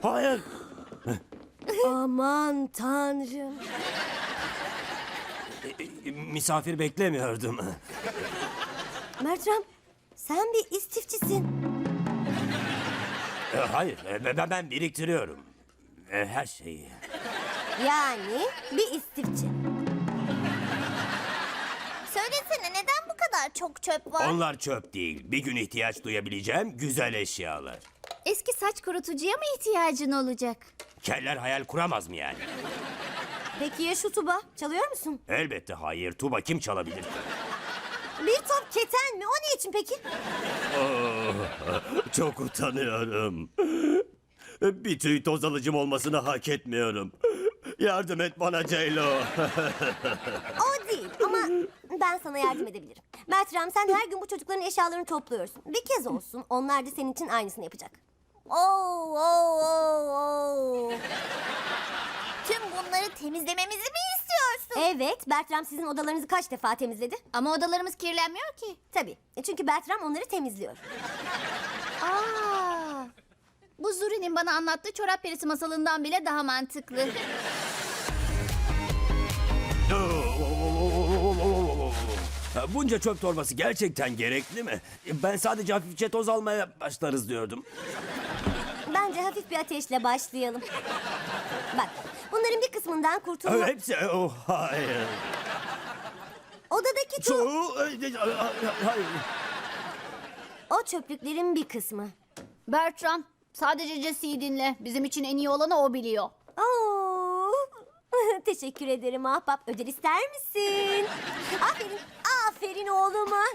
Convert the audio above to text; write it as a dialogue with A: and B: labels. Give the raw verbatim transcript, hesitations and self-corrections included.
A: Hayır.
B: Aman tanrım.
A: Misafir beklemiyordum.
B: Bertram, sen bir istifçisin.
A: E, Hayır, e, ben, ben biriktiriyorum. E, Her şeyi.
B: Yani bir istifçi.
C: Söylesene neden bu kadar çok çöp var?
A: Onlar çöp değil. Bir gün ihtiyaç duyabileceğim güzel eşyalar.
C: Eski saç kurutucuya mı ihtiyacın olacak?
A: Keller hayal kuramaz mı yani?
B: Peki ya şu tuba? Çalıyor musun?
A: Elbette hayır. Tuba kim çalabilir?
B: Bir top keten mi? O ne için peki?
A: Çok utanıyorum. Bir tüy toz alıcım olmasını hak etmiyorum. Yardım et bana Ceylo.
B: O değil ama ben sana yardım edebilirim. Bertram, sen her gün bu çocukların eşyalarını topluyorsun. Bir kez olsun onlar da senin için aynısını yapacak.
C: Oo, oo, oo, oo. Tüm bunları temizlememizi mi istiyorsun?
B: Evet, Bertram sizin odalarınızı kaç defa temizledi?
C: Ama odalarımız kirlenmiyor ki.
B: Tabii, çünkü Bertram onları temizliyor.
C: Aa, bu Zuri'nin bana anlattığı çorap perisi masalından bile daha mantıklı.
A: Bunca çöp torbası gerçekten gerekli mi? Ben sadece hafifçe toz almaya başlarız diyordum.
B: Bence hafif bir ateşle başlayalım. Bak, bunların bir kısmından kurtulma...
A: Hepsi... Oh, hayır.
B: Odadaki tu...
A: Çoğu... Hayır.
B: O çöplüklerin bir kısmı.
C: Bertram, sadece Jesse'yi dinle. Bizim için en iyi olanı o biliyor.
B: Oo. Teşekkür ederim ahbap. Ödül ister misin? Aferin, aferin oğluma.